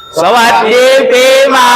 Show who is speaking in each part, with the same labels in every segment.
Speaker 1: สวัสดีปีใหม่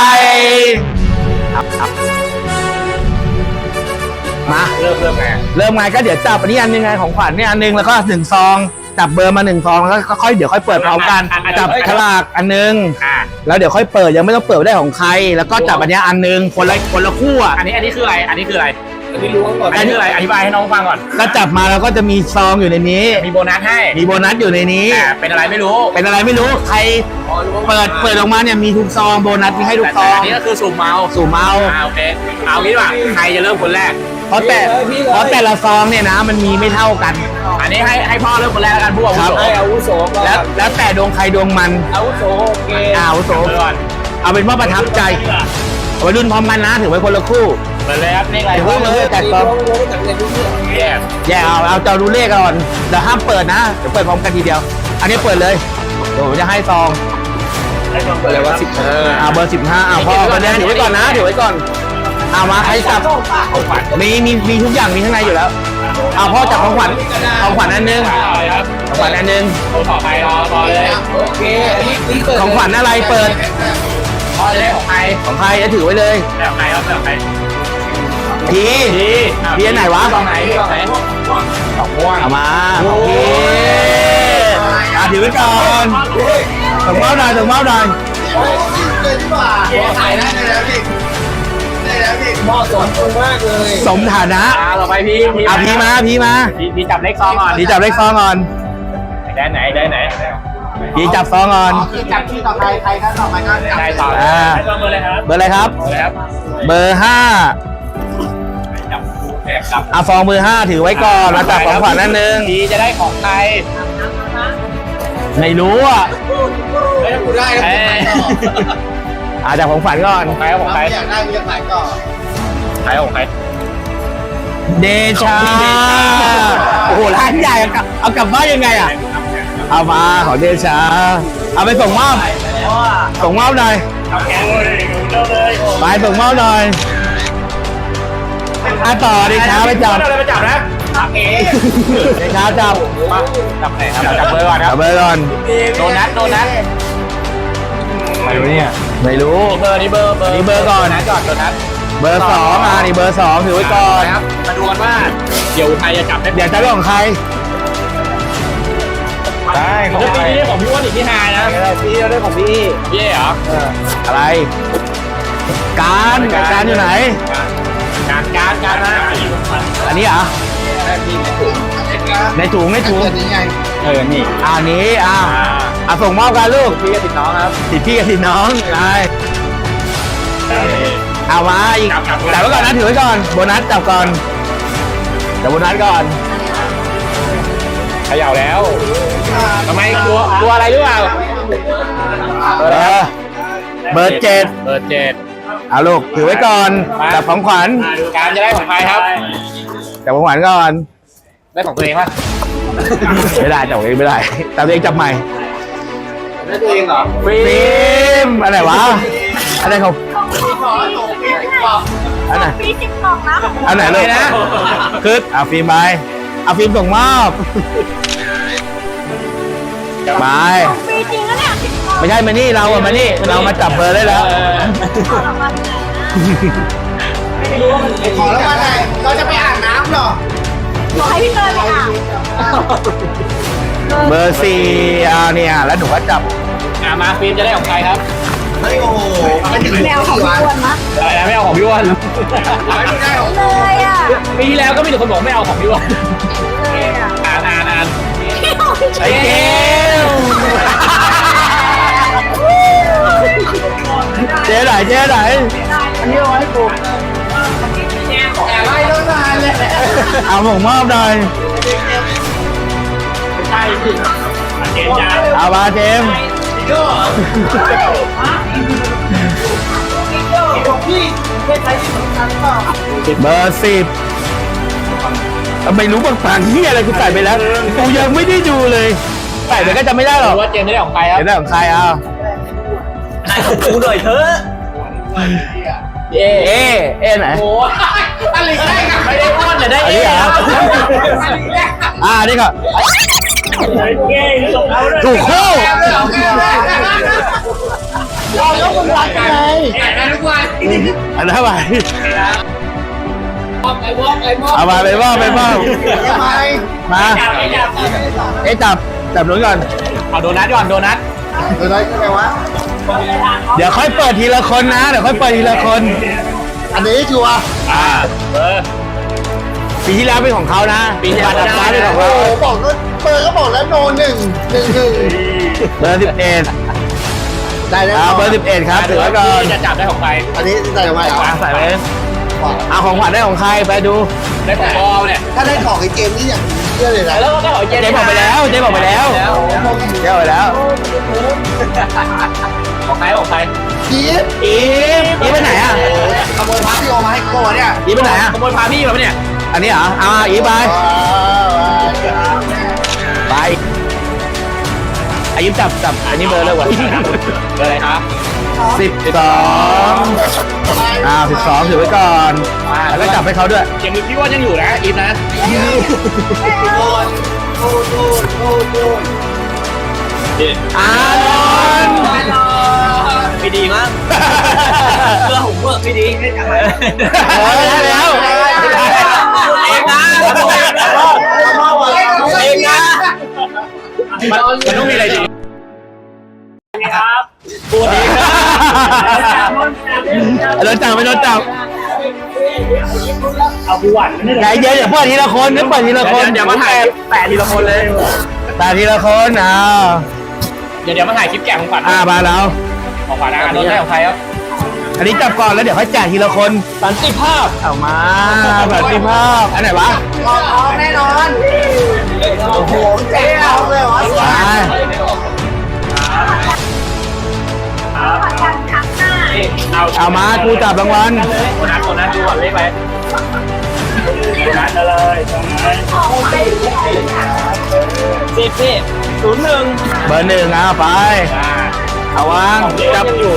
Speaker 1: มาเริ่มไงก็เดี๋ยวจับอันนี้อันนึงไงของขวัญเนี่ยอันนึงแล้วก็1 ซองจับเบอร์มา1 ซองแล้วก็ค่อยเดี๋ยวค่อยเปิดพร้อมกันจับฉลากอันนึงแล้วเดี๋ยวค่อยเปิดยังไม่ต้องเปิดได้ของใครแล้วก็จับอันนี้อันนึงคนละคู่อ่ะ
Speaker 2: อันนี้คืออะไรอันนี้คืออะไรอันนี้รู้ก่อนอันนี้คืออะไรอธิบายให้น้องฟังก่อน
Speaker 1: ก็จับมาแล้วก็จะมีซองอยู่ในนี้
Speaker 2: มีโบนัสให้
Speaker 1: มีโบนัสอยู่ในนี้
Speaker 2: เป็นอะไรไม่รู้
Speaker 1: ใครเปิดออกมาเนี่ยมีทุกซองโบนัสมีให้ทุกซอง
Speaker 2: อันนี้ก็คือสุ่มเมาโอเคเอางี้ว่าใครจะเริ่มคนแรก
Speaker 1: เพราะแต่ละซองเนี่ยนะมันมีไม่เท่ากัน
Speaker 2: อันนี้ให้พ่อเริ่มคนแรกแล้วกันผู้อาวุโส
Speaker 1: แล้วแต่ดวงใครดวงมัน
Speaker 2: อาวุโสโอเค
Speaker 1: อาวุโสเอาเป็นว่าประทับใจเอาไปรุ่นพร้อมกันนะถือไว้คนละคู่
Speaker 2: เปิดเลยครับนี่อะไร
Speaker 1: เพิ่งเลยแต่ซองแย่เอาเจ้าดูเลขก่อนเดี๋ยวห้ามเปิดนะเดี๋ยวเปิดพร้อมกันทีเดียวอันนี้เปิดเลยเดี๋ยวผมจะให้ซอง
Speaker 2: เปิดเลยว่า
Speaker 1: 15เบอร์15พ่อมาเนี่ยถือไว้ก่อนนะถือไว้ก่อนเอามาใครจับมีทุกอย่างมีข้างในอยู่แล้วเอาพ่อจับของขวัญอันนึงของขวัญอันนึง
Speaker 2: ต่อไปรอเลยโอเค
Speaker 1: ของขวัญอะไรเปิด
Speaker 2: พ่อจะได้ของใคร
Speaker 1: จะถือไว้เลย
Speaker 2: แบบใครครับแบบใคร
Speaker 1: พี่ไหนวะ
Speaker 2: ตรงไหนสองม่วง
Speaker 1: เอามาพี่ถือไว้ก่อนส่งเมาส์หน่อย
Speaker 2: ขายได้แล้วพี่เหมาะสมมากเลย
Speaker 1: สมฐานะ
Speaker 2: ต่อไปพี่
Speaker 1: มา
Speaker 2: พี่จับเลขซองก่อนได้ไหน
Speaker 1: พี่จับซองก่อน
Speaker 2: จับที่ต่อใครก็ต่อไปก็ได้ต่อเบอร์อะไรครับ
Speaker 1: เบอร์อะไรครับเบอร์5ซองเบอร์5ถือไว้ก่อนมาจับของขวัญนั่นนึง
Speaker 2: พี่จะได้ของใคร
Speaker 1: ไม่รู้อ่ะ
Speaker 2: ไม่ต้องพูดได้
Speaker 1: จับของขวัญก่อน
Speaker 2: ของใครอยากได้มีขายก่อนขายของใคร
Speaker 1: เดชาโอ้โหร้านใหญ่เอากลับบ้านยังไงอ่ะเอามาของเดชาเอาไปส่งมอบหน่อยไปส่งมอบหน่อยต่อเดชาไปจับ
Speaker 2: นะ
Speaker 1: เดชาจับ
Speaker 2: ไหนครับจับเบอร์ก่อนครับ
Speaker 1: เบอร์ก่อน
Speaker 2: โดนัท
Speaker 1: ไม่รู้เนี่ยไม่รู้
Speaker 2: นี่เบอร์
Speaker 1: ก่อน
Speaker 2: นะจอดโดนัท
Speaker 1: เบอร์2นี่เบอร์2ถือไว้ก่อน
Speaker 2: ครับมาดูกันว่าเดี๋ยวใครจะจับได้
Speaker 1: เดี๋ยวจะเรื่องของใครได้
Speaker 2: ของปีนี้ของพี่อ้วนอีกที่หายนะ
Speaker 1: พี่ได้ของพี่
Speaker 2: เหรอ
Speaker 1: อะไรการอยู่ไหน
Speaker 2: การนะ
Speaker 1: อันนี้เหรอในถุง
Speaker 2: นี่
Speaker 1: อันนี้ส่งมอบกันลูก
Speaker 2: พี่กับติดน้องครับ
Speaker 1: พี่กับติดน้องได้เอามาอีกจับไว้ก่อนนะถือไว้ก่อนโบนัสจับก่อนจับโบนัสก่อน
Speaker 2: เขย่าแล้วทำไมกลัวอะไรหรือเปล่า
Speaker 1: เบอร์7เอาลูกถือไว้ก่อนจับของขวัญ
Speaker 2: การจะได้ของใครครับ
Speaker 1: จับของขวัญก่อน
Speaker 2: ได้ของตัวเองป่ะ
Speaker 1: ไม่ได้จับเองไม่ได้แต่ตัวเองจับใหม่
Speaker 2: ได้ตัวเองเหรอ
Speaker 1: ฟิล์มอะไรวะอะไรของอันไหนอันไหนเลยนะคือฟิล์มไปฟิล์มส่งมอบไปไม่ใช่มานี่เรามาจับเบอร์ได้แล้ว
Speaker 2: ขอแล้วว่าไงเราจะไปอาบน้ำหรอ
Speaker 3: ขอให้พี่เตยไปอาบ
Speaker 1: เบอร์4เนี่ยแล้วหนูก็จับ
Speaker 2: มาฟิล์มจะได้ของใครครับ
Speaker 3: โอ้โหแมวของพี่อ้วนนะ
Speaker 2: อะไรนะไม่เอาของพี่อ้วน
Speaker 3: เลยอ่ะ
Speaker 2: ปีที่แล้วก็มีแต่คนบอกไม่เอาของพี่อ้วนอ่าน
Speaker 1: ไอ้เกลเจ๊ไหน
Speaker 2: อันนี้เอาให้กูอะไรต้องนานเลย
Speaker 1: เอาผมมอบหน่อย
Speaker 2: ใช่สิ
Speaker 1: เอามาเจมเบอร์10ไม่รู้บางฝั่งที่อะไรกูใส่ไปแล้วกูยังไม่ได้ดูเลยใส่ไปก็จะไม่ได้หรอก
Speaker 2: ว่าเจมได้ของใครครับ
Speaker 1: ได้ของใคร
Speaker 2: ให้ของกูหน่อยเถอะ
Speaker 1: ไหน
Speaker 2: โอ้อะไรได้กันไม่ได้อ้วนแต่ได้
Speaker 1: นี่เหรอนี่ก็ถูกคู่อันนั้นไป
Speaker 2: ไอ้มอบ
Speaker 1: เอามาไปบ้าง
Speaker 4: ทำไม
Speaker 1: มา เอ๊ะจับหนุนก่อน
Speaker 2: เอาโดนัทก่อนโดนัท
Speaker 4: ตัวน้อยยังไงวะ
Speaker 1: เดี๋ยวค่อยเปิดทีละคนนะ เดี๋ยวค่อยเปิดทีละคน
Speaker 4: อันนี้ชัวร์
Speaker 1: ปีที่แล้วเป็นของเขานะ
Speaker 2: ปีที่แล้ว
Speaker 1: บัตรฟ้าเป็นของ
Speaker 4: โอ้
Speaker 1: เขา
Speaker 4: โหบอกก็เปิดก็บอกแล้วโนหนึ่ง
Speaker 1: เบอร์11
Speaker 4: ได้แล้ว
Speaker 1: เบอร์ 11 ครับถือไว้ก่อน
Speaker 2: จะจับได้ของใคร
Speaker 4: อันนี้ใส่ออกมาเหรอ
Speaker 1: ใส่ไปเอาของขวัญได้ของใครไปดู
Speaker 2: ได้ของบอลเนี่ย
Speaker 4: ถ้าได้ของไอ้เกมนี่อย่างเชื่อเลยนะ
Speaker 2: แล้วก็ได้ของเจ
Speaker 1: เจ๊บอกไปแล้ว เจ๊บอกไปแล้วเจ๊บอกไปแล้ว
Speaker 2: ของใครของใคร
Speaker 4: จี๊ด
Speaker 1: อีฟไปไหนอ่ะ
Speaker 4: ขโมยพาพี่โอมาให้โก้เนี่ย
Speaker 1: อีฟไปไหนอ่ะ
Speaker 2: ขโมยพาพี่มาปะเนี่ย
Speaker 1: อันนี้เหรอเอาอีฟไปไปอายุจับอันนี้เบอร์เลยว่ะ
Speaker 2: เบอร์อะไรครับ
Speaker 1: 12ถือไว้ก่อนแล้วก็จับให้เขาด้วย
Speaker 2: ยังมีพี่ว่ายังอยู่นะอีฟนะ
Speaker 1: อานนท์
Speaker 2: ไม่ดีมั้งเพื่อผมเพื่อไม่ดีไม่จับไป
Speaker 1: ได้แล้ว
Speaker 2: เองนะเองนะมันต้องมีอะไรดีครับตัวนี้
Speaker 1: โดนจับไม่โดนจับ
Speaker 2: เอาพี่วัน
Speaker 1: ใจเย็นอย่าเปิดทีละคนเปิดทีละคน
Speaker 2: เดี๋ยวมาถ่ายแปะทีละคนเลย
Speaker 1: แต่ทีละคนอ้าว
Speaker 2: เดี๋ยวมาถ่ายคลิปแกะของขวัญ
Speaker 1: มาแล้ว
Speaker 2: ของขวัญนะโดนได้ของใครครับ
Speaker 1: อันนี้จับก่อนแล้วเดี๋ยวค่อยแจกทีละคน
Speaker 2: สันติภาพ
Speaker 1: เอามาสันติภาพอันไหนวะ
Speaker 4: แน่นอนโอ้โหแจ๋วเลยเหรอ
Speaker 1: ไป เอามากูจับรางวัล
Speaker 2: คนนั้นดูก่อนเลขไปคนนั้นเลยสิบ01
Speaker 1: เบอร์หนึ่งเอาไปเอาวางจั
Speaker 2: จั
Speaker 1: บบ
Speaker 2: อยู่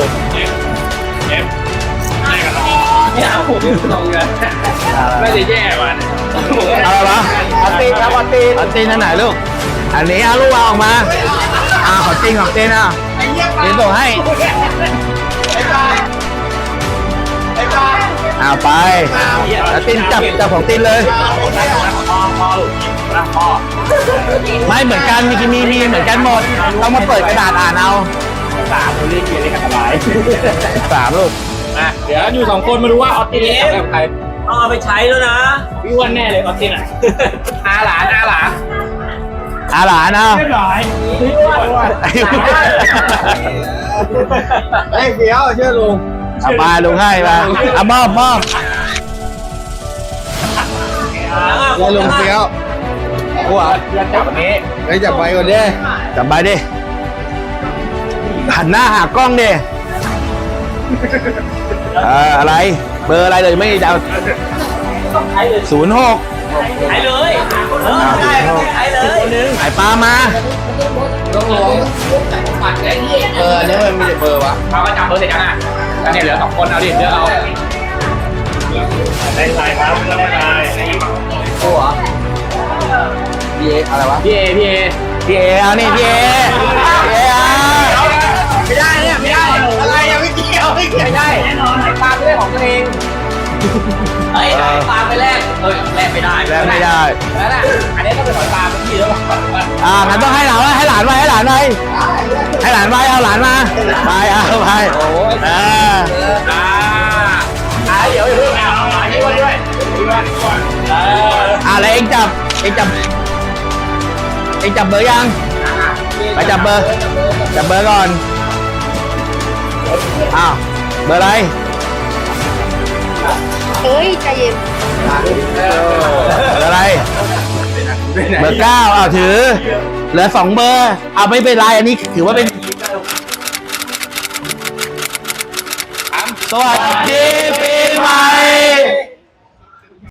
Speaker 2: เนี่ยผมตรงกันไม่ได้แย่มัน
Speaker 1: เอาอะไรวะอัตตินครับอัตตินอัตตินอันไหนลูกอันนี้เอาลูกวางออกมาของจริงของเต้นอ่ะเต้นส่งให้ไปอัตตินจับของตินเลย
Speaker 2: พ่อ
Speaker 1: ไม่เหมือนกันมีเหมือนกันหมดต้องมาเปิดกระดาษอ่านเอา
Speaker 2: 3คนเรียกเกียร์เรียกกันสบาย
Speaker 1: 3ลูก
Speaker 2: เดี๋ยวอยู่2คนมาดูว่าออสตินจะกับใครเอาไปใช้แล้วนะพี่วันแน่เลยออสตินอ่ะอาหลาน
Speaker 1: หลานเอา
Speaker 2: เรียบร้อย
Speaker 4: เฮ้ยเดี๋ยวเชื่อลุง
Speaker 1: เอาไปลุงให้มาเอามอบ
Speaker 4: เชื่อลุงเฟี้ยวหัว
Speaker 2: เรื่องจับวันนี้
Speaker 4: ไปจับไปก่อนดิ
Speaker 1: จับไปดิหันหน้าหากล้องดิอะไรเบอร์อะไรเลยไม่เดา06
Speaker 2: ใช้เลยใช้เลยคนนึง
Speaker 1: ไอ้ปลามา
Speaker 4: เนี่ยมันมีแต่เบอร์วะ
Speaker 2: เขาก็จับเบอร์เสร็จยังอ่ะแล้วเนี่ยเหลือ2คนเอาดิเลือกเอาได้ไลน์ครับได้ไลน์
Speaker 4: บีเออะไรวะ
Speaker 2: พี่เอ
Speaker 1: พี่เอเอานี่พี่เอเอา
Speaker 2: ไม่ได้เนี่ยไม่ได้
Speaker 4: อะไรยังไม่เกี่ยวไม่เกี่ยว
Speaker 2: ไม่ได้แน่นอนไอ้ปลาไม่ได้ของตัวเองเฮ้ยไอ้ปลาไปแลกแลกไม่ได้
Speaker 1: แล้วไม่ได้
Speaker 2: แล้วน่ะอันนี้ต้องเป็นของปลาเป็นที่แล้ว
Speaker 1: งั้นต้องให้หลานไว้ให้หลานไว้ให้หลานไว้ให้หลานไว้เอาหลานมาไปเอาไป
Speaker 2: เดี๋ยวอย่าเพิ่งเอาอันนี้ด้วยด้วย
Speaker 1: แล้วเองจับเบอร์ยังไปจับเบอร์ก่อนอ้าวเบอร์อะไร
Speaker 3: เฮ้ยใจเย็น
Speaker 1: เบอร์อะไรเบอร์9ถือเหลือ2เบอร์เอาไม่เป็นไรอันนี้ถือว่าเป็นสวัสดีปีใหม่